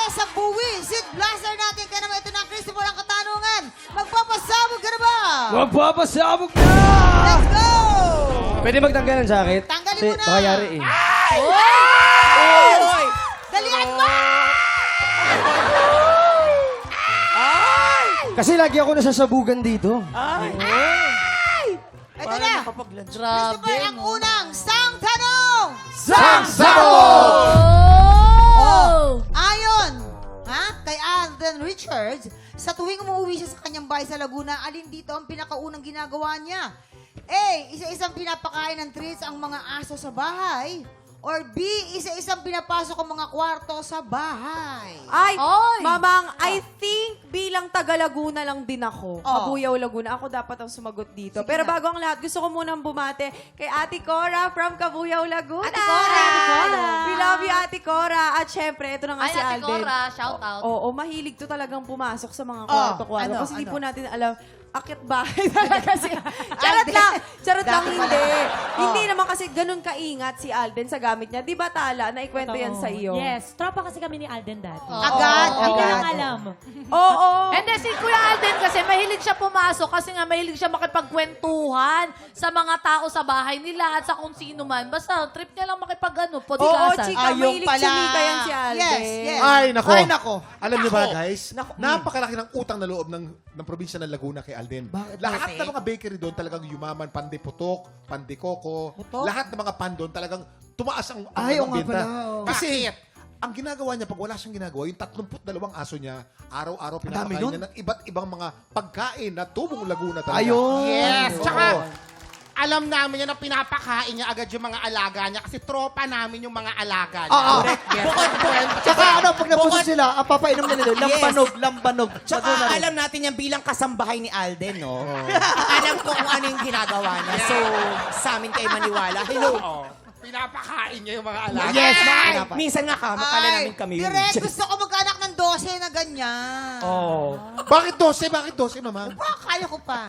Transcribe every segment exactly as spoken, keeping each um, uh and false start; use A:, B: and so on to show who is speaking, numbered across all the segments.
A: sa buwisit blaster natin. Kaya naman ito na, Christopher, ang katanungan. Magpapasabog ka na ba?
B: Magpapasabog na!
A: Let's go!
B: Pwede magtanggal ng jacket?
A: Tanggalin
B: Kasi
A: mo na.
B: baka yari eh.
A: Oy! Dalian mo!
B: Kasi lagi ako nasasabugan dito.
A: Ito na. Christopher, ang unang sang tanong.
B: Sang Sabog!
A: Oh! Ayon, ha? Kay Alden Richards, sa tuwing umuwi siya sa kanyang bahay sa Laguna, alin dito ang pinakaunang ginagawa niya? A. Isa-isang pinapakain ng treats ang mga aso sa bahay. Or B. Isa-isang pinapasok ang mga kwarto sa bahay.
C: Ay,
D: Oy!
C: Mamang, I think bilang taga Laguna lang din ako.
A: Oh.
C: Kabuyaw Laguna. Ako dapat ang sumagot dito.
A: Sige
C: Pero
A: na.
C: bago ang lahat, gusto ko munang bumate kay Ate Cora from Kabuyaw, Laguna.
A: Ate Cora, Ate Cora.
C: We love you, Ate Cora. At syempre, ito na nga
D: Ay,
C: si
D: Ate
C: Alden.
D: Cora, shout out.
C: Oo, mahilig to talagang pumasok sa mga
A: Oh,
C: kwarto-kwarto.
A: ano,
C: Kasi hindi
A: ano?
C: po natin alam, akit bahay talaga si... Charot
A: Alden.
C: lang! Charot lang,
A: Dati pala.
C: hindi.
A: Oh.
C: Hindi naman kasi ganun kaingat si Alden sa gamit niya. Di ba, Tala? Naikwento yan sa iyo.
E: Yes, tropa kasi kami ni Alden dati.
A: Agad,
E: Hindi
A: agad.
E: lang alam.
C: Oo.
D: And then si Kuya Alden kasi mahilig siya pumasok kasi nga mahilig siya makipagkwentuhan sa mga tao sa bahay nila at sa kung sino man. Basta trip niya lang makipag ano,
C: Oo,
D: podcasan.
C: chika.
A: Ayun
C: Mahilig
A: pala.
C: chumika yan si Alden.
A: Yes, yes.
F: Ay, nako.
A: Ay, nako.
F: Alam niyo ba, guys?
C: Nako.
F: Napakalaki ng utang na loob ng, ng probinsya ng Laguna kay Alden.
A: Bakit?
F: Lahat
A: Bakit?
F: ng mga bakery doon talagang yumaman, pandiputok, pandikoko.
A: Putok?
F: Lahat ng mga pan doon talagang tumaas ang, ang
A: Ay,
F: ang
A: oo nga
F: benta.
A: pala, oo.
F: Kasi, ang ginagawa niya, pag wala siyang ginagawa, yung tatlumpu't dalawang aso niya, araw-araw pinapakain niya ng iba't ibang mga pagkain na tubong Laguna talaga.
A: Ayun.
G: Yes,
F: Oo.
G: tsaka alam namin yan na pinapakain niya agad yung mga alaga niya kasi tropa namin yung mga alaga niya.
H: Oo.
G: Bukod doon,
H: Tsaka ano, pag napuso sila, ang papainom nila doon, lambanog, lambanog.
I: Tsaka
H: Madonna rin.
I: alam natin yan bilang kasambahay ni Alden, no? Alam ko kung ano yung ginagawa niya. So, sa amin kayo maniwala. Hello.
G: oo, pinapakain niya yung mga alaga.
I: Yes,
G: Ay!
I: mga Minsan nga kama, kala namin kami yun.
A: direct, gusto ko magkaanak ng dose na ganyan.
I: Oh.
F: Bakit dose? Bakit dose, mama?
A: Ah, kaya ko pa.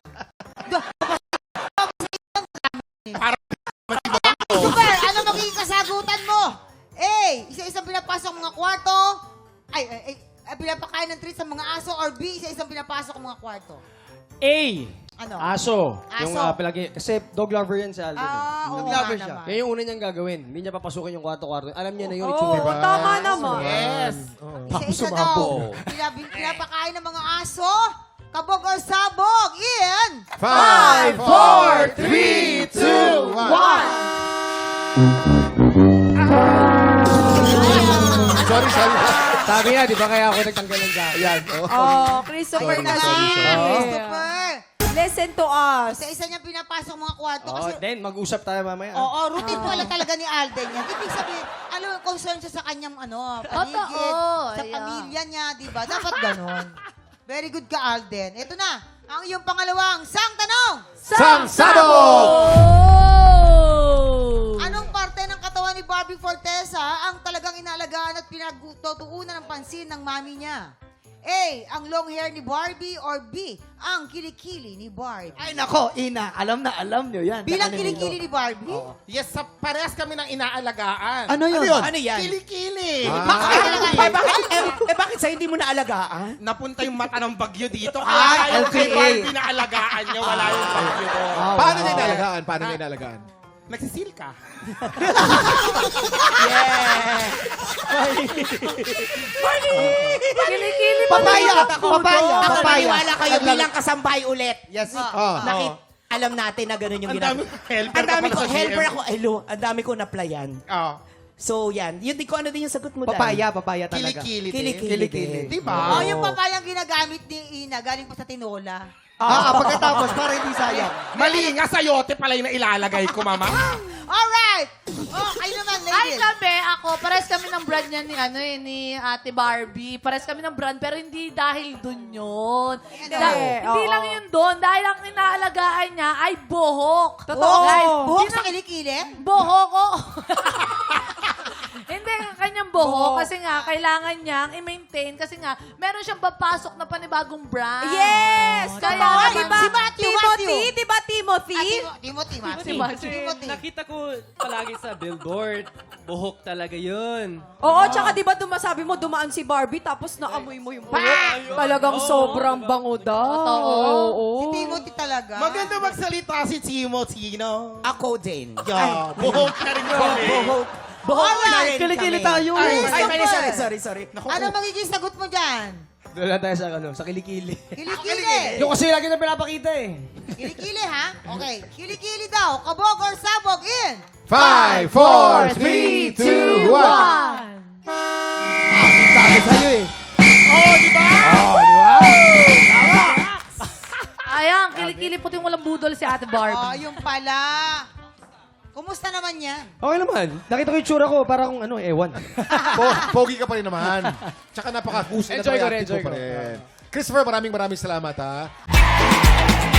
A: Super, ano magiging kasagutan mo? A. Isa-isang pinapasok ang mga kwarto. Ay, ay, ay, ay, pinapakain ng treats sa mga aso. Or B. Isa-isang pinapasok ang mga kwarto.
B: A.
A: Ano?
B: Aso. Yung
A: Aso.
B: ah, palagi. Kasi dog lover yan si Alden. eh.
A: Ah, oo
H: Dog
A: nga
H: lover siya.
A: naman.
B: Yan yung una niyang gagawin. Hindi niya papasukin yung kwarto-kwarto. Alam niya na yun.
C: Oo,
B: itsura.
C: tama naman.
G: Yes.
A: Isa-isa daw. Pinap- Pinapakain ng mga aso. Kabog or sabog. Ian!
F: Five, four, three, two, one. Sorry, sorry.
B: Sabi nga, di ba kaya ako nagtanggal ng jacket?
F: Ayan. Oh.
C: Oh, Christopher
A: Ayun na
C: na
A: lang.
C: siya.
A: Christopher.
C: Listen to us.
A: Isa-isa niyang pinapasok mga kwarto.
B: Oh,
A: Kasi,
B: then, mag-usap tayo mamaya.
A: oo, routine pala talaga ni Alden yan. Ibig sabihin, ano, concern siya sa kanyang, ano, paligid,
D: Totoo,
A: sa
D: yeah.
A: pamilya niya, di ba? Dapat ganon. Very good ka, Alden. Ito na, ang iyong pangalawang sang tanong.
F: Sang Sabog!
A: Anong parte ng katawan ni Barbie Fortesa ang talagang inaalagaan at pinagtutuunan ng pansin ng mami niya? A. Ang long hair ni Barbie or B. Ang kilikili ni Barbie?
H: Ay, nako, ina. Alam na, alam nyo yan.
A: Bilang
H: Tsaka ni
A: kilikili ni Barbie?
G: Yes, sa parehas kami ng inaalagaan.
H: Ano yun?
F: Ano yun?
I: Ano yan?
G: Kili-kili.
I: Bakit? Eh, bakit, eh, eh, bakit sa hindi mo naalagaan?
G: Napunta yung mata ng bagyo dito. Kaya
H: Ah,
G: tayo kay
H: L P A.
G: Barbie na alagaan niya, wala yung bagyo doon.
H: Ah,
F: Paano
H: wow.
F: niya inalagaan? Paano niya inalagaan?
G: Nagsisil ka.
D: Kilikili mo.
H: Papaya!
I: Ako,
H: Papaya!
I: ako
H: Papaya!
I: maniwala kayo bilang kasambahay ulit.
H: Yes.
F: Oh.
I: Nakit, alam natin na gano'n yung
G: Ang
I: ginagawa.
G: dami ko helper
I: Ang dami
G: ka
I: ko,
G: pala sa
I: helper
G: G M.
I: ako. Hello, ang dami ko na-plyan.
G: Oh.
I: So, yan. Yun, di ko ano din yung sagot mo, Dan.
H: Papaya, papaya talaga.
G: Kilikili. din.
I: Kilikili.
H: Kilikili.
I: din.
G: Diba?
A: Oh, yung papayang ginagamit ni Ina, galing pa sa tinola.
H: Ah, ah, pagkatapos, para hindi sayang.
G: Mali nga, sayote pala yung nailalagay ko, mama.
A: Alright! Oh, kayo naman,
D: Ay,
A: ladies.
D: kami, ako, pares kami ng brand niya ni, ano, eh, ni Ate Barbie. Pares kami ng brand, pero hindi dahil dun yun.
A: Hindi,
D: Da- hindi
C: oo.
D: lang yun dun, dahil ang inaalagaan niya ay buhok.
C: Totoo.
D: Guys,
A: Buhok
D: yun
A: sa
D: ang-
A: kilikili?
D: Buhok ko. Hindi, ang kanyang buhok kasi nga, kailangan niyang i-maintain maintain kasi nga, meron siyang papasok na panibagong brand.
C: Yes!
D: Kaya
C: Totoo,
D: naman-
C: di ba?
A: Si Matthew,
C: Timothy,
A: Matthew.
C: di ba Timothy?
A: Ah, Timo- Timothy, Matthew.
D: Timothy.
A: Timothy.
J: Nakita ko palagi sa billboard. Buhok talaga yun.
C: Oo, tsaka di ba dumasabi mo dumaan si Barbie tapos naamoy mo yung buhok. Talagang sobrang bango daw. Oo.
A: Si Timothy talaga.
G: Maganda magsalita si Timothy, no?
I: Ako din.
G: Yeah. Buhok na rin kami.
I: Buhok. Buhok na
A: Alright.
I: rin
B: Kilikili
I: kami.
B: tayo.
I: Ay,
A: Ay,
I: ay,
A: super.
I: sorry, sorry, sorry. Naku,
A: Ano magiging sagot mo dyan?
B: Doon lang tayo sa, ano, sa kilikili.
A: Kilikili.
B: Yung kasi lagi na pinapakita eh.
A: Kilikili, ha? Okay. Kilikili daw. Kabog or sabog in.
F: Five, four, three, two, one.
B: Sabi sa'yo eh.
D: Ayan, kilikili puti yung walang budol si Ate
A: Oh,
D: Barbie.
A: yung pala. Kumusta naman yan?
B: Okay naman. Nakita ko yung tsura ko, parang ano, ewan.
F: Po- Pogi ka pa rin naman. Tsaka napaka-husay na
B: Enjoy ko
F: pala,
B: rin,
F: active
B: enjoy
F: pa
B: ko.
F: rin. Christopher, maraming maraming salamat ha.